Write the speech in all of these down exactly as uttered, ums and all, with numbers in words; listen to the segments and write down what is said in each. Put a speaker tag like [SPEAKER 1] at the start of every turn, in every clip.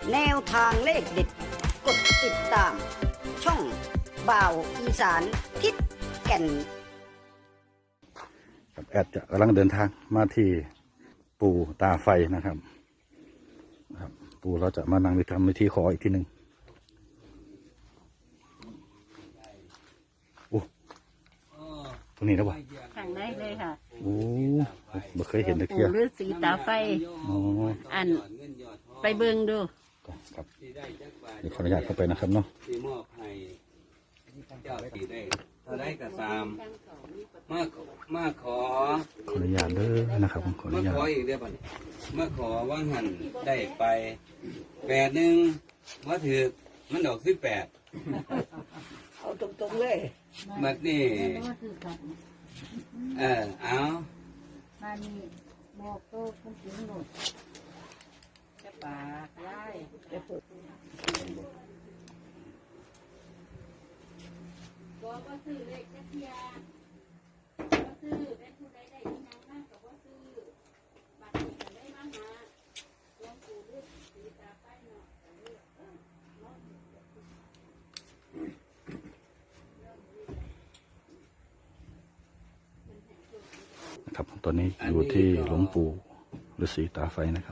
[SPEAKER 1] แนวทางเลขเด็ดกดติดตามช่องบ่าวอีสานทิศแก่น
[SPEAKER 2] แอดจะกำลังเดินทางมาที่ปู่ตาไฟนะครับครับปู่เราจะมานั่งวิธรรมวิธีขออีกทีหนึ่งโอ้ตรงนี้นะวะ
[SPEAKER 3] ทางได้เลยค่ะ
[SPEAKER 2] โอ้ไม่เคยเห็นตะเคียน
[SPEAKER 3] ปู่ฤาษีตาไฟ
[SPEAKER 2] อ๋อ
[SPEAKER 3] อันไปเบิ่งดู
[SPEAKER 2] ครับเดี๋ยวขออนุญาตเข้าไปนะครับเนาะ
[SPEAKER 4] ที่มอบให้เจ้าที่ได้เท่าไรก็ตามมามาขอ
[SPEAKER 2] ขออนุญาตเด้อนะครับขออ
[SPEAKER 4] มา
[SPEAKER 2] นุญาต
[SPEAKER 4] ขออีกเดียวบัดนี้มาขอว่าหันได้ไปแปดหนึ่งมาถือมันดอกสิบแปด
[SPEAKER 1] เอาตรงๆเลย
[SPEAKER 4] บัดนี้เออเอา
[SPEAKER 3] มานี่บอกโตคุณถึงหนุดจะป่าไล่จะปลูกบอกว่าซื้อเลขจะเทียว่าซื้อเป็นผู้ใดได้ที่นางมากกับว่าซื้อบัตรนี้ก็ได้มาหาหลวงปู่ฤาษีตาไฟเนาะ
[SPEAKER 2] นะครับตอนนี้อยู่ที่หลวงปู่ฤาษีตาไฟนะครับ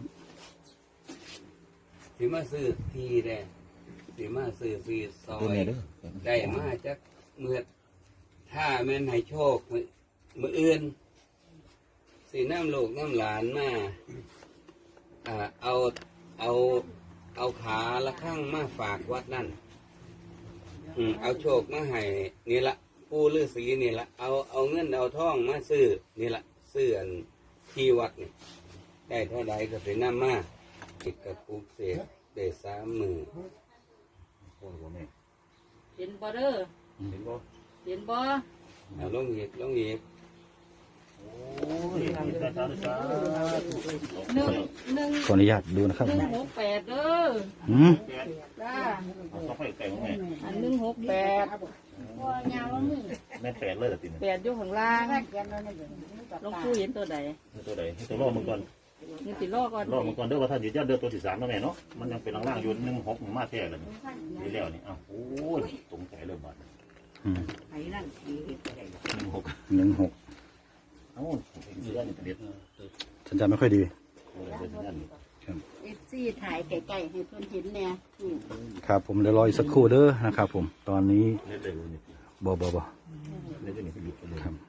[SPEAKER 4] สิมาซื้อทีได้สิมาซื้อฟีซอยได้มาจากเมื่อถ้าแม่นให้โชคมืออื่นสีน้ำลูกน้ำหลานมาอ่าเอาเอาเอาขาละข้างมาฝากวัดนั่นอืมเอาโชคมาให้นี่ละปู่ฤาษีนี่ละเอาเอาเงินเอาทองมาซื้อนี่ละซื้ออันที่วัดนี่ได้เท่าใดก็สิน้ำมาติดกับปลูกเสกได้สามมือ
[SPEAKER 3] เห็นบ่เด้อ
[SPEAKER 4] เห็นบ่
[SPEAKER 3] เห็นบ่
[SPEAKER 4] เอาลงเหยียบลงเหยียบ
[SPEAKER 3] หนึ่งหนึ่ง
[SPEAKER 2] ขออนุญาตดูนะครับ
[SPEAKER 3] หนึ่งหกแปดเด้อ
[SPEAKER 2] อืม
[SPEAKER 3] จ้าอันหนึ่งหกแปด
[SPEAKER 5] แม่นแปดเลยเหรอติน
[SPEAKER 3] แปดอยู่ข้างล่างหลวงปู่เห็นตัวใด
[SPEAKER 5] ตัวใดตัวล่อมึงก่อน
[SPEAKER 3] นี่สิล่อก่อน
[SPEAKER 5] ล่อมึงก่อนเด้อว่าถ้ายืดยันเด้อตัวที่สามแล้วแม่เนาะมันยังเป็นล่างๆอยู่หนึ่งหกมาแท้เลยนี่แล้วนี่อ้าวโอ้ยตรงใจเลยบาด
[SPEAKER 2] อืม
[SPEAKER 3] ไอ้นั่นสิ
[SPEAKER 5] หนึ่งหก
[SPEAKER 2] หนึ่งหก
[SPEAKER 5] เอ้ายืดยันเด็ด
[SPEAKER 2] ฉันจำไม่ค่อยดี
[SPEAKER 5] เออเด็ดยัน
[SPEAKER 3] เอฟซีถ่ายไก่ๆให้เพิ่นเห็นแน่นี่
[SPEAKER 2] ครับผมเดี๋ยวรออีกสักครู่เด้อนะครับผมตอนนี้
[SPEAKER 5] เด็ดเลยนี่
[SPEAKER 2] บ่บ่บ่
[SPEAKER 5] เด็ดนี่ก็หยุดไปเลย
[SPEAKER 2] ครับ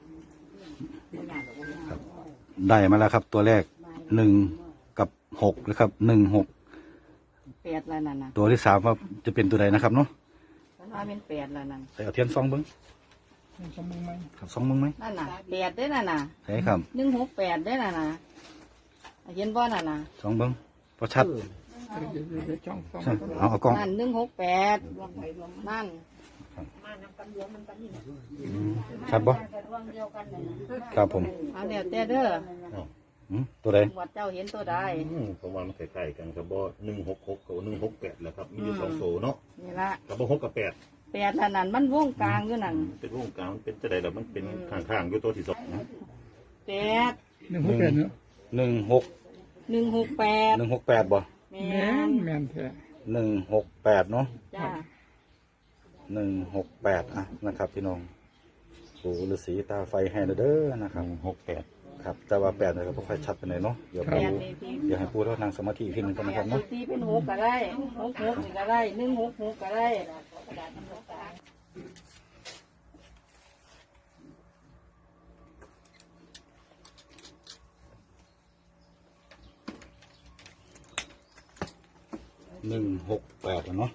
[SPEAKER 2] ครับได้มาแล้วครับ ตัวแรกหนึ่งกับหกนะครับหนึ่งหก
[SPEAKER 3] แปดแล้วนั่นน่ะ
[SPEAKER 2] ตัวที่สามว่าจะเป็นตัวใดนะครับเนาะ
[SPEAKER 3] ว่าเป็นแปดแล้วนั่น
[SPEAKER 2] ใส่เอาเทียนซองเบิ้งครับซองเบิ้งไหม
[SPEAKER 3] นั่นน่ะแปดได้นั่นน่ะ
[SPEAKER 2] ใช่ครับ
[SPEAKER 3] หนึ่งหกแปดได้นั่นน่ะเห็นบ่นั่นน่ะ
[SPEAKER 2] ซองเบิ้งพอชัดใช่เอาเอากล้อง
[SPEAKER 3] นั่นหนึ่งหกแปดนั่น
[SPEAKER 2] อืมชัดบ่ครับผม
[SPEAKER 3] เอาเดี๋ยวแต่เด้อ
[SPEAKER 2] อืมตัวใด
[SPEAKER 3] วัดเจ้าเห็นตัวใด
[SPEAKER 5] เพราะว่ามันใกล้ๆกันครับบ่หนึ่งหกหกกับหนึ่งหกแปดแหละครับมีอยู่สองโซเนาะ
[SPEAKER 3] นี่ละ
[SPEAKER 5] กับบ่หกกับแปด
[SPEAKER 3] แปดแล้วนั่นมันวงกลางอยู่นั่น
[SPEAKER 5] เป็นวงกลางมันเป็นจะได้แล้วมันเป็นข้างๆอยู่ตัวที่สอง
[SPEAKER 3] แปด
[SPEAKER 2] หนึ่งหกแปดเนาะหนึ่งหก
[SPEAKER 3] หนึ่งหกแปด
[SPEAKER 2] หนึ่งหกแปดบ่
[SPEAKER 3] แม่น
[SPEAKER 2] หนึ่งหกแปดเนาะ
[SPEAKER 3] จ้า
[SPEAKER 2] หนึ่งหกแปดอ่ะนะครับพี่น้องปู่ฤาษีตาไฟให้เด้อนะครับ
[SPEAKER 5] หกแปด
[SPEAKER 2] ครับแต่ว่าแปดเนี่ยก็ไม่ค่อยชัดไปเลยเนาะเดี๋ยว
[SPEAKER 3] แป
[SPEAKER 2] ปู่
[SPEAKER 3] ดนี่ที่
[SPEAKER 2] เดี๋ยวให้ปู่เรานั่งสมาธิอีกทีหนึงก่อนนะครับ
[SPEAKER 3] แป
[SPEAKER 2] เนาะ
[SPEAKER 3] ดที่เป็นหกก็ได้หกหกนี่ก็ได้หนึ่งหกหกก็ได้
[SPEAKER 2] หนึ่งหกแปดเนาะ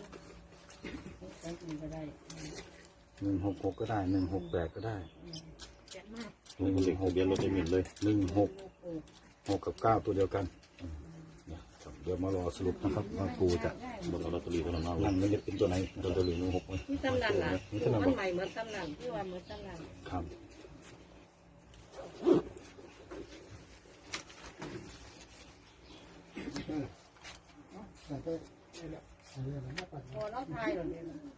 [SPEAKER 2] หนึ่งหกหกก็ได้หนึ่งหกแปดก็ได้หนึ่ง
[SPEAKER 5] เด็ก
[SPEAKER 2] ห
[SPEAKER 5] ทะ
[SPEAKER 2] ก
[SPEAKER 5] เบียนรถได้หมิ่นเลย
[SPEAKER 2] หนึ่งหกหกกับเก้าตัวเดียวกันเดี๋ยวมารอสรุปนะครับว่าปู่จะ
[SPEAKER 5] บนลอตเตอรี่เท่านั้นเอา
[SPEAKER 2] นั่งมันจะเป็นตัวไหน
[SPEAKER 5] ลอตเตอรี่หนึ่งหก
[SPEAKER 3] ที่ตำนานล่ะ
[SPEAKER 2] นี่เท่านั้น
[SPEAKER 3] มัน
[SPEAKER 2] บ่
[SPEAKER 3] ใหม่เหมือนตำนานที่ว่าเหมือนตำนาน
[SPEAKER 2] ครับ
[SPEAKER 3] พอเราทายหรอเนี่ย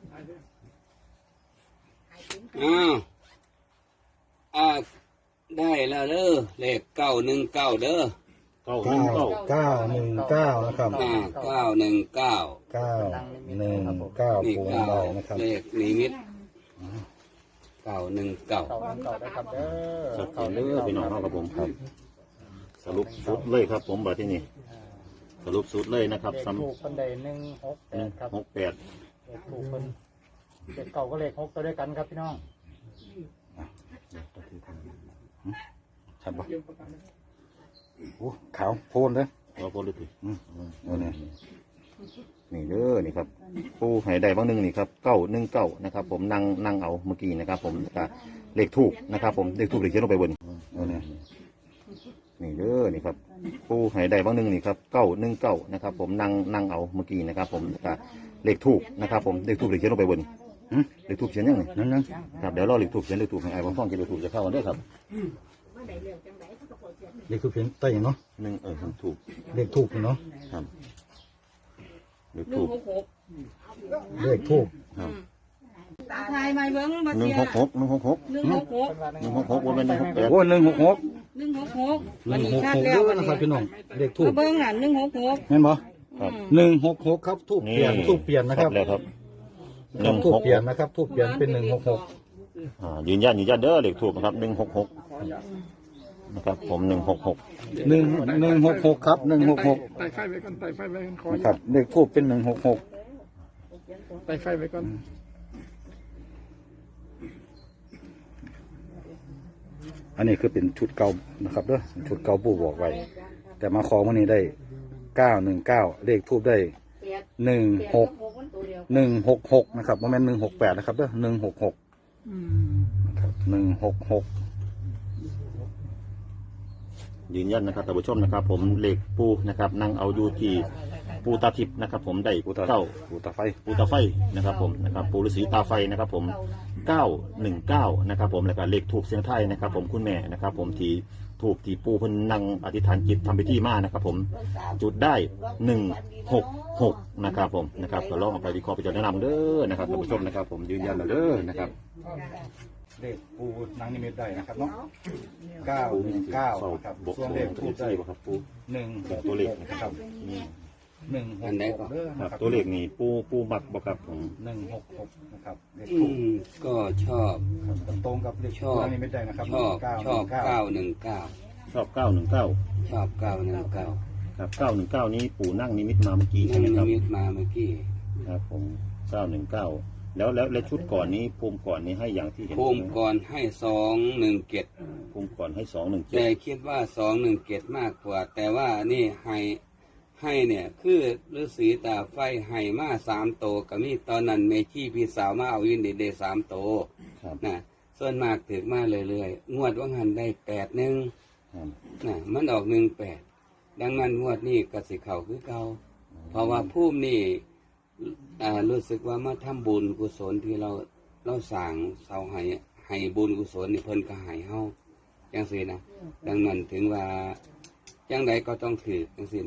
[SPEAKER 4] อ้าวอ่าได้แล้วเด้อเลขเก้าหนึ่งเก้าเด้อ
[SPEAKER 5] เก้าห
[SPEAKER 2] เก้า
[SPEAKER 5] นึ่งเก้า
[SPEAKER 2] เก้าหนึ่งเก้านะครับ
[SPEAKER 4] อ่าเก้าหนึ่งเก้า
[SPEAKER 2] เก้าหนึ่งเก้า
[SPEAKER 4] นี่
[SPEAKER 2] ปู
[SPEAKER 4] เก้า
[SPEAKER 2] เบานะครับ
[SPEAKER 4] เลขนิมิตเก้าหนึ่งเก้า
[SPEAKER 6] เก่าเก่าได้ครับเด้อ
[SPEAKER 5] สักเก่าเลยพี่น้องครับผมครับ สรุปสุดเลยครับ ผมบัดที่นี่สรุปสุดเลยนะครับ
[SPEAKER 6] เลข
[SPEAKER 5] ซ้
[SPEAKER 6] ถูกคนใดหนึ่งหกแปดครับ
[SPEAKER 5] ำหกแปด
[SPEAKER 6] เลขถูกคนเลขเก่าก็เลขหกตัวด้วยกันครับพี่น้อง
[SPEAKER 2] ชัดปะโอ้ขาวโพลนเลย
[SPEAKER 5] เราพูดเลยที
[SPEAKER 2] อืมเอาเนี่ย
[SPEAKER 5] นี่เด้อนี่ครับปูให้ได้บ้างหนึ่งนี่ครับเก้าหนึ่งเก้านะครับ ผมนั่งนั่งเอาเมื่อกี้นะครับ ผมก็เลขถูกนะครับ ผมเลขถูกเลขเขียนลงไปบน
[SPEAKER 2] เอาเนี่ย
[SPEAKER 5] นี่เด้อนี่ครับปูให้ได้บ้างหนึ่งนี่ครับเก้าหนึ่งเก้านะครับ ผมนั่งนั่งเอาเมื่อกี้นะครับ ผมก็เลขถูกนะครับ ผมเลขถูกเลขเขียนลงไปบน
[SPEAKER 2] หืม
[SPEAKER 5] เลขถูกเขียนยังไง
[SPEAKER 2] นั่นนั่น
[SPEAKER 5] ครับเดี๋ยวรอเลขถูกเขียนเลขถูกให้ไอ้บางฟ้องกินเลขถูกจะเข้ากันด้วยครับ
[SPEAKER 2] เลขคือเพียงใต้เนาะ
[SPEAKER 5] หนึ่งเออถูก
[SPEAKER 2] เลขถูกเนาะ
[SPEAKER 5] ครับเลขถูก
[SPEAKER 2] เลขถูก
[SPEAKER 5] ครับ
[SPEAKER 3] ตาทายไม่เบิ้งมา
[SPEAKER 5] หนึ่
[SPEAKER 3] เสี
[SPEAKER 5] ง
[SPEAKER 3] ย
[SPEAKER 5] หกหกหนึ่งหกหก
[SPEAKER 3] หนึ่งหกหก
[SPEAKER 5] หนึ่งหกหกว่าเป็นหนึ่งหกแปด
[SPEAKER 2] โอ้หนึ่งหกหก
[SPEAKER 3] หนึ่งหกหก
[SPEAKER 2] หนึ่งหกหกเด้อนะครับพี่น้องเลขถูก
[SPEAKER 3] มาเบิ้งน่ะหนึ่งหกหก
[SPEAKER 2] เห็นบ่
[SPEAKER 5] ครับ
[SPEAKER 2] หนึ่งหกหกครับทูบเปลี่ยนทูบเปลี่ยนนะครับ
[SPEAKER 5] แล้วครับห
[SPEAKER 2] ครั
[SPEAKER 5] นึ่
[SPEAKER 2] บ
[SPEAKER 5] ง
[SPEAKER 2] ทูบ
[SPEAKER 5] หก
[SPEAKER 2] เปลี่ยนนะครับทูบเปลี่ยนเป็นหนึ่งหกหก
[SPEAKER 5] อ่ายืนยันยืนยันเด้อเลขถูกนะครับหนึ่งหกหกนะครับผมหนึ่งหกหก
[SPEAKER 2] หนึ่งหนึ่งหกหกครับหนึ่งหกหก
[SPEAKER 6] ไต่ไฟไว้ก่อนไต่ไฟไว้ก่อนขอ
[SPEAKER 2] นะครับเลขทูบเป็นหนึ่งหกหก
[SPEAKER 6] ไต่ไฟไว้ก่อน
[SPEAKER 2] อันนี้คือเป็นชุดเก่านะครับเด้อชุดเก่าปู่บอกไว้ แต่มาขอวันนี้ได้เก้าหนึ่งเก้าเลขทูบได้หนึ่งหกหนึ่งหกหกนะครับโมเมนต์หนึ่งหกแปดนะครับเด้อหนึ่งหกหกนะครับหนึ่งหกหก
[SPEAKER 5] ยืนยันนะครับท่านผู้ชมนะครับ ผมเลขปูนะครับนั่งเอาอยู่ที่ปูตาทิพย์นะครับ ผมได้
[SPEAKER 2] ปูตา
[SPEAKER 5] เก้า
[SPEAKER 2] ปูตาไฟ
[SPEAKER 5] ปูตาไฟนะครับ ผมนะครับปูฤาษีตาไฟนะครับ ผมเก้าหนึ่งเก้านะครับ ผมแล้วก็เลขถูกเสียงไทายนะครับ ผมคุณแม่นะครับ ผมที่ถูกที่ปูเพิ่นนั่งอธิษฐานจิตทำพิธีมานะครับ ผมจุดได้หนึ่งหกหกนะครับ ผมนะครับก็ลองเอาไปวิเคราะห์ไปจารณาเด้อนะครับท่านผู้ชมนะครับ ผมยืนยันแล้วเด้อนะครับ
[SPEAKER 2] เลขปูนางนิมิตได้นะครับเนาะเก้าหนึ่งเก้าครับ
[SPEAKER 5] บก
[SPEAKER 2] ส่วนเลขทูบได้
[SPEAKER 5] บ่ครับปู
[SPEAKER 2] หนึ่ง
[SPEAKER 5] ตัวเลข
[SPEAKER 2] นะครับหนึ่งหก
[SPEAKER 4] อันไหน
[SPEAKER 2] ห
[SPEAKER 4] ก็
[SPEAKER 2] กเด้อ
[SPEAKER 5] ครั
[SPEAKER 2] นะ
[SPEAKER 5] บ
[SPEAKER 2] ครับ
[SPEAKER 5] ตัวเลขนี่ปูปูมักบ่ครับผม
[SPEAKER 2] หนึ่งหกหกนะครับเลข
[SPEAKER 4] อื
[SPEAKER 2] ทูบ
[SPEAKER 4] มก็ชอบ
[SPEAKER 2] ตรงกับเลข
[SPEAKER 4] ชอบ
[SPEAKER 2] นางนิมิตได้นะครับ
[SPEAKER 4] ชอบ
[SPEAKER 2] เก้า
[SPEAKER 4] ชอบ
[SPEAKER 2] เก้า
[SPEAKER 4] เก้าหนึ่งเก้า
[SPEAKER 5] ชอบเก้าหนึ่งเก้า
[SPEAKER 4] ชอบเก้าหนึ่งเก้า
[SPEAKER 5] ครับเก้าหนึ่งเก้านี้ปู่นั่งนิมิตมาเมื่อกี้ใช่
[SPEAKER 4] นั่ง
[SPEAKER 5] ไหมครับ
[SPEAKER 4] นิมิตมาเมื่อกี้
[SPEAKER 5] ครับผมเก้าหนึ่งเก้าแล้วแล้วและชุดก่อนนี้ภูมิก่อนนี้ให้อย่างที่เห็น
[SPEAKER 4] ภูมิก่อนให้สองหนึ่งเกต
[SPEAKER 5] ภูมิก่อนให้สองหนึ่งเจ็ด
[SPEAKER 4] แต่คิดว่าสองหนึ่งเกตมากกว่า แต่ว่านี่ให้ให้เนี่ยคือฤาษีตาไฟให้มาสามโตวก็มีตอนนั้นเมชี่พี่สาวมาเอายินดีเดสามโตว
[SPEAKER 5] ครับ
[SPEAKER 4] นะส่วนมากถึกมาเรื่อยๆงวดว่างหันได้แปดหนึ่ง
[SPEAKER 5] ครับ
[SPEAKER 4] นะมันออกหนึ่งแปดดังนั้นงวดนี้กสิเขาคือเก่าเพราะว่าภูมินี่อ่ารู้สึกว่ามาทำบุญกุศลที่เราเราสั่งเสาให้ให้บุญกุศลนี่เพิ่นก็ให้เฮาจังซี่นะดังนั้นถึงว่าจังใดก็ต้องถือจังซี่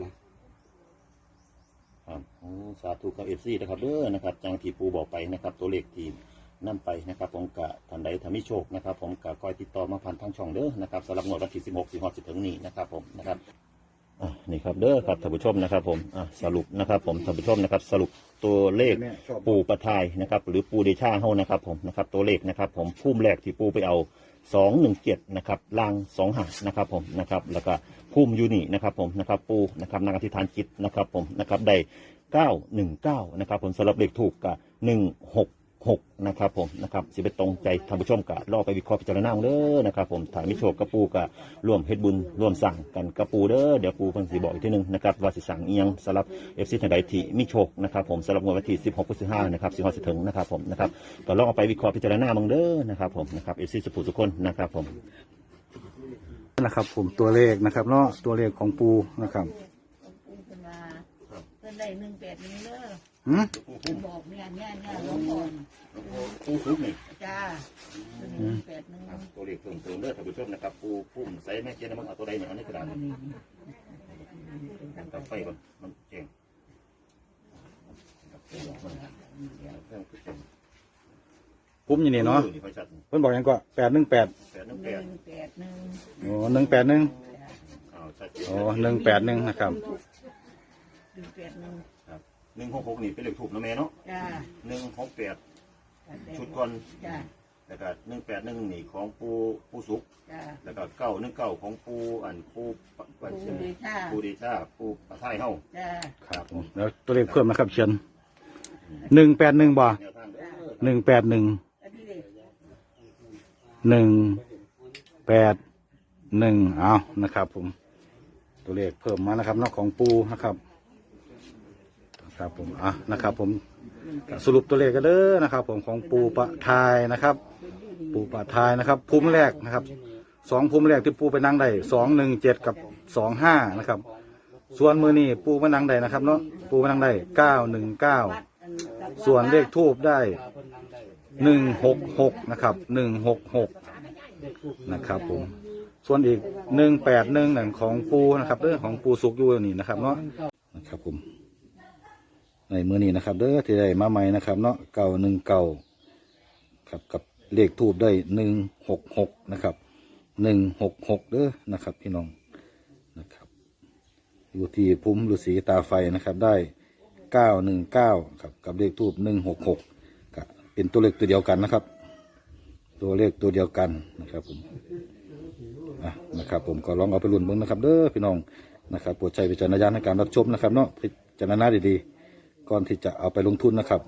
[SPEAKER 4] นะครับ
[SPEAKER 5] โอ้สาธุกับเอฟซีนะครับเด้อนะครับจังที่ปูบอกไปนะครับ ตัวเลขทีมนั่นไปนะครับ ผมกะทันใดทำมิโชคนะครับ ผมกะคอยติดต่อมาผ่านทางช่องเด้อนะครับสำหรับงวดวันที่สิบหกสิงหาคมถึงนี้นะครับ ผมนะครับอ่ะนี่ครับเด้อครับท่านผู้ชมนะครับ ผมอ่ะสรุปนะครับ ผมท่านผู้ชมนะครับ สรุปตัวเลข ปูประทายนะครับหรือปูเดชาเฮานะครับผมนะครับตัวเลขนะครับผมพุ่มแรกที่ปูไปเอาสองหนึ่งเจ็ดนะครับล่างสองหานะครับผมนะครับแล้วก็พุ่มยูนี่นะครับผมนะครับปูนะครับนักอธิษฐานจิตนะครับผมนะครับได้เก้าหนึ่งเก้านะครับผมสำหรับเลขถูกกับหนึ่งหกหกนะครับผมนะครับสิเป็นตรงใจท่านผู้ชมกะรอไปวิเคราะห์พิจารณาเด้อนะครับผมถ่ายมิโชคกระปูกะร่วมเฮ็ดบุญร่วมสั่งกันกระปูเด้อเดี๋ยวปูเพิ่นสิบอกอีกทีหนึงนะครับว่าสิสั่งเอียงสำหรับ เอฟ ซี ทางใดที่มิโชคนะครับผมสำหรับงวดวันที่สิบหกพฤษภาคมนะครับสิงหาคมสิถึงนะครับผมนะครับก็ลองเอาไปวิเคราะห์พิจารณาเบิ่งเด้อนะครับผมนะครับ เอฟ ซี สุภูทุกคนนะครับผม
[SPEAKER 2] นะครับ ผมตัวเลขนะครับเนาะตัวเลขของปูนะครับ
[SPEAKER 3] เป็นว่าเพิ่นได้หนึ่งแปดนี้เด้อ
[SPEAKER 2] หืม
[SPEAKER 3] เพิ่นบอกเนี่ยเนี่ยเนี่ยหลวงพ่อ
[SPEAKER 5] ปูซุปนี่
[SPEAKER 3] จ้าหนึ่งแปดหนึ่ง
[SPEAKER 5] ตัวเลขเพิ่มเติมเด้อท่านผู้ชมนะครับปูพุ่มใส่แม่เจนมันเอาตัวใดเนี่ยเอาในกระดาษตัดไฟก่อนมันเจ๋ง
[SPEAKER 2] ปุ้มอยู่นี่เนาะ
[SPEAKER 5] ไฟชัด
[SPEAKER 2] เพิ่นบอกหยังก็แปดหนึ่งแปด
[SPEAKER 5] แปดหนึ่ง
[SPEAKER 3] ห
[SPEAKER 5] แป
[SPEAKER 3] นึ่
[SPEAKER 5] ด
[SPEAKER 3] งแปดหนึ่ง
[SPEAKER 2] โอ้หนึ่งแปดหนึ่ง
[SPEAKER 5] อ้าว
[SPEAKER 2] อ๋อหนึ่งแปดหนึ่งนะครับ
[SPEAKER 1] หนึ่งแปดหนึ่ง
[SPEAKER 5] ครับหนึ่งหกหกนี่เป็นเลขถูกนะแม่เนาะ
[SPEAKER 1] จ้า
[SPEAKER 5] หนึ่งหกแปดชุดก่อน
[SPEAKER 1] จ้า
[SPEAKER 5] แล้วก็หนึ่งแปดหนึ่งนี่ของปูปูสุก
[SPEAKER 1] จ้า
[SPEAKER 5] แล้วก็เก้าหนึ่งเก้าของปูอันปูปัน
[SPEAKER 1] ปูเดชา
[SPEAKER 5] ปูดีชาปูปะไทยเฮา
[SPEAKER 1] จ้า
[SPEAKER 2] ครับผมแล้วตัวเลขเพิ่มนะครับเชียนหนึ่งแปดหนึ่งบ่
[SPEAKER 5] แนวทางเด้อ
[SPEAKER 2] หนึ่งแปดหนึ่ง
[SPEAKER 1] อันนี้เลย
[SPEAKER 2] หนึ่งแปดหนึ่งเอานะครับผมตัวเลขเพิ่มมานะครับนอกของปูนะครับครับผมอ่ะนะครับผมสรุปตัวเลขกันเด้อนะครับ ผมของปูปะทายนะครับ ปูปะทายนะครับภูมิแรกนะครับสองภูมิแรกที่ปูไปนั่งได้สองหนึ่งเจ็ดกับสองห้านะครับ ส่วนมือนี่ปูมานั่งได้นะครับเนาะปูมานั่งได้เก้าหนึ่งเก้าส่วนเลขทูบได้หนึ่งหกหกนะครับหนึ่งหกหกนะครับผมส่วนอีกหนึ่งแปดหนึ่งหนังของปูนะครับเรื่องของปูสุกอยู่นี่นะครับเนาะนะครับผมในมือนี้นะครับเด้อที่ได้มาใหม่นะครับเนาะเก่าหนึ่งเก่าครับกับเลขทูบได้หนึ่งหกหกนะครับหนึ่งหกหกเด้อนะครับพี่น้องนะครับอยู่ที่พุ่มฤาษีตาไฟนะครับได้เก้าหนึ่งเก้าครับกับเลขทูบหนึ่งหกหกก็เป็นตัวเลขตัวเดียวกันนะครับ ตัวเลขตัวเดียวกันนะครับผมอ่ะนะครับผมก็ลองเอาไปลุ้นเบิ่งนะครับเด้อพี่น้องนะครับโปรดใช้วิจารณญาณในการรับชมนะครับเนาะพิจารณาดีๆก่อนที่จะเอาไปลงทุนนะครับ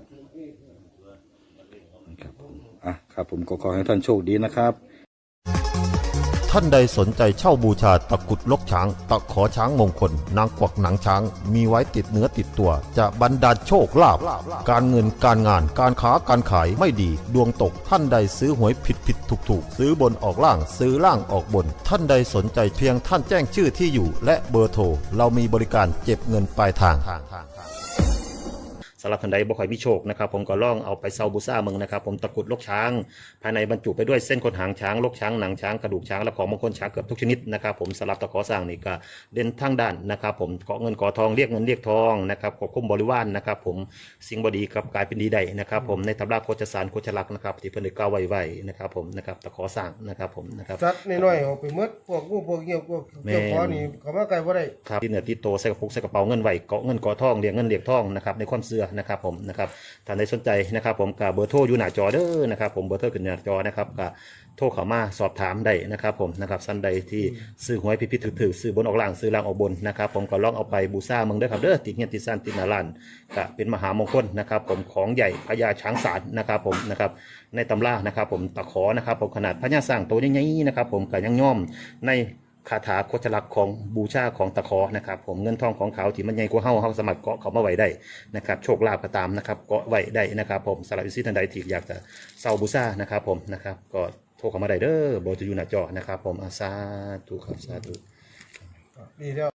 [SPEAKER 2] นะครับผมอ่ะครับผมก็ขอให้ท่านโชคดีนะครับ
[SPEAKER 7] ท่านใดสนใจเช่าบูชาตะกรุดลกช้าง ตะขอช้างมงคล นางกวักหนังช้าง มีไว้ติดเนื้อติดตัว จะบรรดาลโชคลาภการเงินการงานการค้าการขายไม่ดี ดวงตกท่านใดซื้อหวยผิดผิดถูกถูกซื้อบนออกล่างซื้อล่างออกบน ท่านใดสนใจเพียงท่านแจ้งชื่อที่อยู่ และเบอร์โทรเรามีบริการเก็บเงินปลายทางสำหรับท่านใดบ่ค่อยมีโชคนะครับผมก็ล่องเอาไปเซาบูซ่าเมืองนะครับผมตะกรุดลกช้าง ภายในบรรจุไปด้วยเส้นขนหางช้างลกช้างหนังช้างกระดูกช้างและของมงคลช้างเกือบทุกชนิดนะครับผมสำหรับตะขอสร้างนี่ก็เด่นทางด้านนะครับผมเกาะเงินเกาะทองเรียกเงินเรียกทองนะครับควบคุมบริวารนะครับผมสิ่งบดีกับกลายเป็นดีได้นะครับผมในตำราโคจสารโคจลักษณ์นะครับที่เพิ่นได้กล่าวไว้ไว้นะครับผมนะครับตะขอสร้างนะครับผมนะครับ
[SPEAKER 8] สัตว์น้อยๆออกไปหมดพวกงูพวกเงี้ยวพวกเกี่ยวคอนี่เขามาไกลบ่ได้
[SPEAKER 2] ครับที่เหนือที่โตใส่กระปุกใส่กระเป๋าเงินไว้เกาะเงินเกาะทองเรียกเงินเรียกทองนะครับในความเชื่อนะครับผมนะครับท่านใดสนใจนะครับผมกับเบอร์โทรอยู่หน้าจอเด้อนะครับผมเบอร์โทรขึ้นหน้าจอนะครับกับโทรเข้ามาสอบถามได้นะครับผมนะครับท่านใดที่ซื้อหวยพิพิธถือซื้อบนออกล่างซื้อล่างออกบนนะครับผมก็ลองเอาไปบูชาเมืองเด้อครับเด้อติดเงี้ยติดซ่านติดหนาลานก็เป็นมหามงคลนะครับผมของใหญ่พญาช้างศาลนะครับผมนะครับในตำรานะครับผมตะขอนะครับผมขนาดพญาสร้างตัวใหญ่ๆนะครับผมก็ยังย่อมในคาถาโคจลักษณ์ของบูชาของตะขอนะครับผมเงินทองของเขาที่มันใหญ่กว่าเฮาเฮาสามารถเกาะเขามาไว้ได้นะครับโชคลาภก็ตามนะครับเกาะไว้ได้นะครับผมสำหรับวิสิท่านใดที่อยากจะเซาบูชานะครับผมนะครับก็โทรเข้ามาได้เด้อเบอร์จะอยู่หน้าจอนะครับผมอาสาธุครับสาธุ
[SPEAKER 8] ดีแล้ว